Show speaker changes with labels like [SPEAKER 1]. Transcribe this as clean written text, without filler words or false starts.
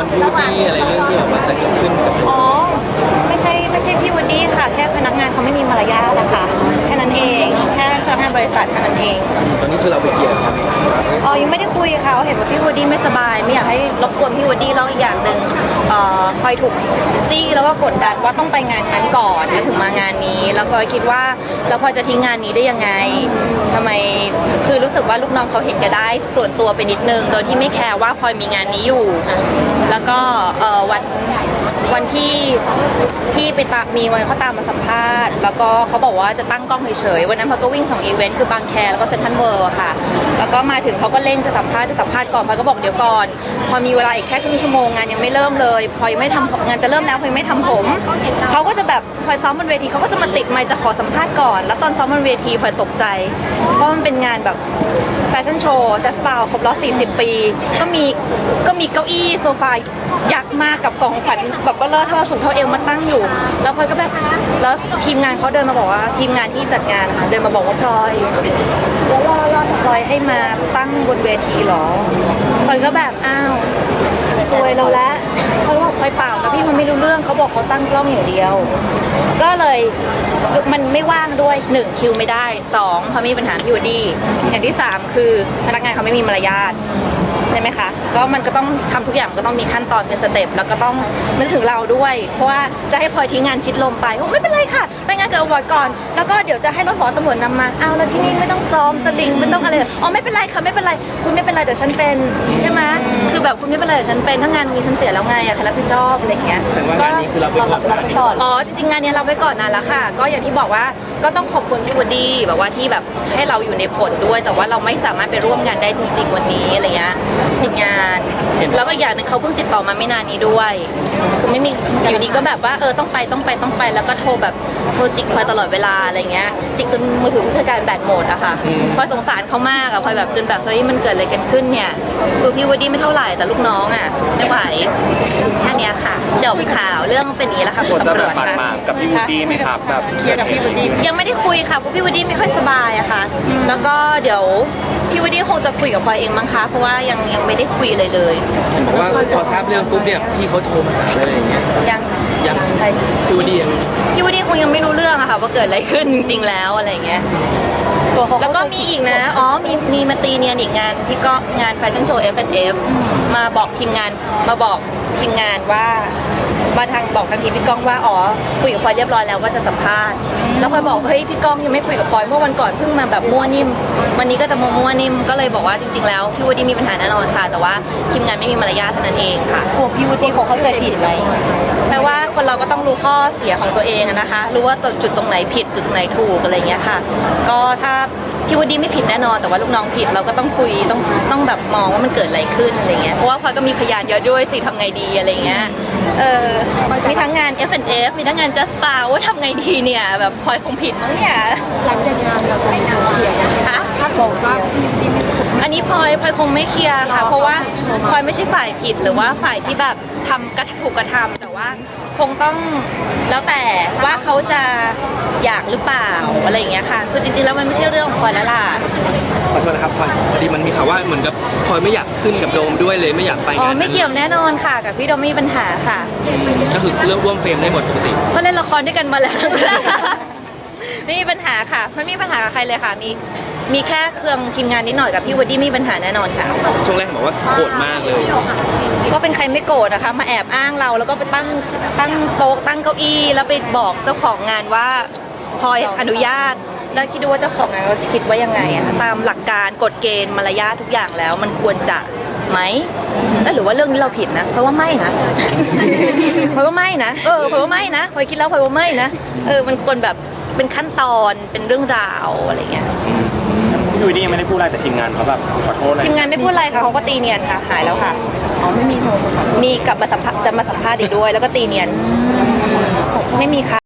[SPEAKER 1] รพี่วูดดี้อะไรเรื่องที่แบบว่าจะเกิดขึ้นกับ
[SPEAKER 2] อ๋อไม่ใช่พี่วูดดี้ค่ะแค่พนักงานเขาไม่มีมารยาทนะคะแค่นั้นเองแค่พนักงานบริษัทแค่นั้นเอง
[SPEAKER 1] ตอนนี้คือเราไปเคลียร์ครับ
[SPEAKER 2] อ๋อยังไม่ได้คุยค่ะเห็นว่าพี่วูดดี้ไม่สบายไม่อยากให้รบกวนพี่วูดดี้แล้วอีกอย่างหนึ่งพลอยถูกจี้แล้วก็กดดันว่าต้องไปงานนั้นก่อนแล้วถึงมางานนี้แล้วพลอยคิดว่าแล้วพลอยจะทิ้งงานนี้ได้ยังไงทำไมคือรู้สึกว่าลูกน้องเขาเห็นแก่ได้ส่วนตัวไปนิดนึงโดยที่ไม่แคร์ว่าพลอยมีงานนี้อยู่แล้วก็วันที่ไปมีวันเขาตามมาสัมภาษณ์แล้วก็เขาบอกว่าจะตั้งกล้องเฉยๆวันนั้นพลอยก็วิ่ง2 อีเวนต์คือบางแคแล้วก็เซ็นทรัลเวิลด์ค่ะแล้วก็มาถึงเขาก็เร่งจะสัมภาษณ์ก่อนพลอยก็บอกเดี๋ยวก่อนพอมีเวลาอีกแค่ครึ่งชั่วโมงงานยังไม่เริ่มเลยพลอยไม่ทำงานจะเริ่มแล้วพลอยไม่ทำผมเขาก็จะแบบพลอยซ้อมบนเวทีเขาก็จะมาติดไมค์จะขอสัมภาษณ์ก่อนแล้วตอนซ้อมบนเวทีพลอยตกใจเพราะมันเป็นงานแบบแฟชั่นโชว์แจ๊สบาวครบรอบ40 ปีก็มีเก้าอี้โซฟายักษ์มากกับกองขวัญแบบว่าเลอะเทอะสูงเท่าเอวมาตั้งอยู่แล้วพลอยก็แบบแล้วทีมงานเขาเดินมาบอกว่าทีมงานที่จัดงานค่ะเดินมาบอกว่าพลอยพลอยให้มาตั้งบนเวทีหรอพลอยก็แบบอ้าวซวยเราแล้วเขาบอกพลอยเปล่านะพี่มันไม่รู้เรื่องเขาบอกเขาตั้งกล้องอย่างเดียวก็เลยมันไม่ว่างด้วย1คิวไม่ได้2เพราะมีปัญหาพี่วูดดี้อย่างที่3คือพนักงานเขาไม่มีมารยาทใช่ไหมคะก็มันก็ต้องทำทุกอย่างก็ต้องมีขั้นตอนเป็นสเต็ปแล้วก็ต้องนึกถึงเราด้วยเพราะว่าจะให้พลอยทิ้งงานชิดลมไปไม่เป็นไรค่ะไปงานกับอวอร์ดก่อนแล้วก็เดี๋ยวจะให้รถหมอตำรวจนำมาเอาแล้วที่นี่ไม่ต้องซ้อมสลิงไม่ต้องอะไรอ๋อไม่เป็นไรค่ะไม่เป็นไรคุณไม่เป็นไรแต่ฉันเป็นใช่ไหมคือแบบคุณไม่เป็นไรแต่ฉันเป็นถ้างานมีฉันเสียแล้วไงอะใครรับผิดชอบอะไรเงี้ย
[SPEAKER 1] แสดงว่างานนี้คือเราไปก่อน
[SPEAKER 2] อ๋อจริงๆงานนี้เราไปก่อนนานแล้วค่ะก็อย่างที่บอกว่าก็ต้องขอบคุณพี่วูดดี้แบบว่าที่แบบให้เราอยู่ในผลด้วยแต่ว่าเราไม่สามารถไปร่วมงานได้จริงๆวันนี้อะไรเงี้ยผิดงานแล้วก็อย่างนึงเขาเพิ่งติดต่อมาไม่นานนี้ด้วยคือไม่มีอยู่ดีก็แบบว่าต้องไปแล้วก็โทรแบบโทรจิกพลอยตลอดเวลาอะไรเงี้ยจิกจนมือถือผู้จัดการแบตหมดอะค่ะพลอยสงสารเขามากอะพลอยแบบจนแบบเฮ้ยมันเกิดอะไรกันขึ้นเนี่ยคือพี่วูดดี้ไม่เท่าไหร่แต่ลูกน้องอะไม่ไหวแค่นี้ค่ะจบข่าวเรื่องเป็นอย่างนี้แล้วค่ะคุณตำรวจค่ะ
[SPEAKER 1] กับพี่วูดดี้ไหมครับแบบ
[SPEAKER 2] เคลียร์กับพี่วูดดี้ยังไม่ได้คุยค่ะเพราะพี่วูดดี้ไม่ค่อยสบายอะค่ะแล้วก็เดี๋ยวพี่วูดดี้คงจะคุยกับพลอยเองมั้งคะเพราะว่ายังไม่ได้คุยเลย
[SPEAKER 1] เพราะว่าพอทราบเรื่องปุ๊บเนี่ยพี่เขาโทรมาอะไรอย่างเงี้ยยังพี่วูดดี้
[SPEAKER 2] คงยังไม่รู้เรื่องอะค่ะว่าเกิดอะไรขึ้นจริงๆแล้วอะไรเงี้ยแล้วก็มีอีกนะมีมาตีเนียนอีกงานพี่ก็งานแฟชั่นโชว์ F&F มาบอกทีมงานว่ามาบอกทางทีมพี่ก้องว่าคุยกับพลอยเรียบร้อยแล้วว่าจะสัมภาษณ์แล้วพลอยบอกเฮ้ยพี่ก้องยังไม่คุยกับพลอยเมื่อวันก่อนเพิ่งมาแบบมั่วนิ่มวันนี้ก็จะมั่วนิ่มก็เลยบอกว่าจริงๆแล้วพี่วูดดี้มีปัญหาแน่นอนค่ะแต่ว่าทีมงานไม่มีมารยาทเท่านั้นเองค่ะ
[SPEAKER 3] กลัวพี่วูดดี้เขาเข้าใจผิดไหม
[SPEAKER 2] แปลว่าคนเราก็ต้องรู้ข้อเสียของตัวเองนะคะรู้ว่าจุดตรงไหนผิดจุดตรงไหนถูกอะไรเงี้ยค่ะก็ถ้าพี่วูดดี้ไม่ผิดแน่นอนแต่ว่าลูกน้องผิดเราก็ต้องคุยต้องแบบมองว่ามันเกิดอะไรขึ้นอะไรเงี้ยเพราะว่าพลอยก็มีพยานเยอะด้วยสิทำไงดีอะไรเงี้ยมีทั้งงาน F&F มีทั้งงาน Just Spa ว่าทำไงดีเนี่ยแบบพลอยคงผิดมั้งเนี่ย
[SPEAKER 3] หลังจากงานเราจะมีโทรเคลียร์นะคะถ้าโทรว่าพี่วูดดี้ไม่ผิด
[SPEAKER 2] อันนี้พลอยคงไม่เคลียร์ค่ะเพราะว่าพลอยไม่ใช่ฝ่ายผิดหรือว่าฝ่ายที่แบบถูกกระทำแต่ว่าคงต้องแล้วแต่ว่าเขาจะอยากหรือเปล่าอะไรอย่างเงี้ยค่ะคือจริงๆแล้วมันไม่ใช่เรื่องของพลอยแล้วล่ะ
[SPEAKER 1] ขอโทษนะครับพลอยพอดีมันมีข่าวว่าเหมือนกับพลอยไม่อยากขึ้นกับโดมด้วยเลยไม่อยากไปงาน
[SPEAKER 2] ไม่เกี่ยวแน่นอนค่ะกับพี่โดมไม่มีปัญหาค่ะ
[SPEAKER 1] ก็คือเรื่องร่วมเฟรมได้หมดปกติ
[SPEAKER 2] เพราะเล่นละครด้วยกันมาแล้วไม่มีปัญหาค่ะไม่มีปัญหากับใครเลยค่ะมีแค่เครื่องทีมงานนิดหน่อยกับพี่วูดดี้มีปัญหาแน่นอนค่ะ
[SPEAKER 1] ช่วงแรกบอกว่าโกรธมากเลย
[SPEAKER 2] ก็เป็นใครไม่โกรธนะคะมาแอบอ้างเราแล้วก็ไปตั้งโต๊ะตั้งเก้าอี้แล้วไปบอกเจ้าของงานว่าพลอยอนุญาตแล้วคิดดูว่าเจ้าของงานเขาคิดว่ายังไงอะตามหลักการกฎเกณฑ์มารยาททุกอย่างแล้วมันควรจะไหมหรือว่าเรื่องนี้เราผิดนะเพราะว่าไม่นะเพราะว่าไม่นะเพราะว่าไม่นะพลอยคิดแล้วพลอยว่าไม่นะมันควรแบบเป็นขั้นตอนเป็นเรื่องราวอะไรเงี้ย
[SPEAKER 1] พี่วูดดี้ยังไม่ได้พูดอะไรแต่ทีมงานเขาแบบขอโทษอะไร
[SPEAKER 2] ทีมงานไม่พูดอะไรค่ะเขาก็ตีเนียนค่ะหายแล้วค่ะ
[SPEAKER 3] ไม่มีโทร
[SPEAKER 2] มีกลับมาจะมาสัมภาษณ์อีกด้วยแล้วก็ตีเนียนไม่มีค่ะ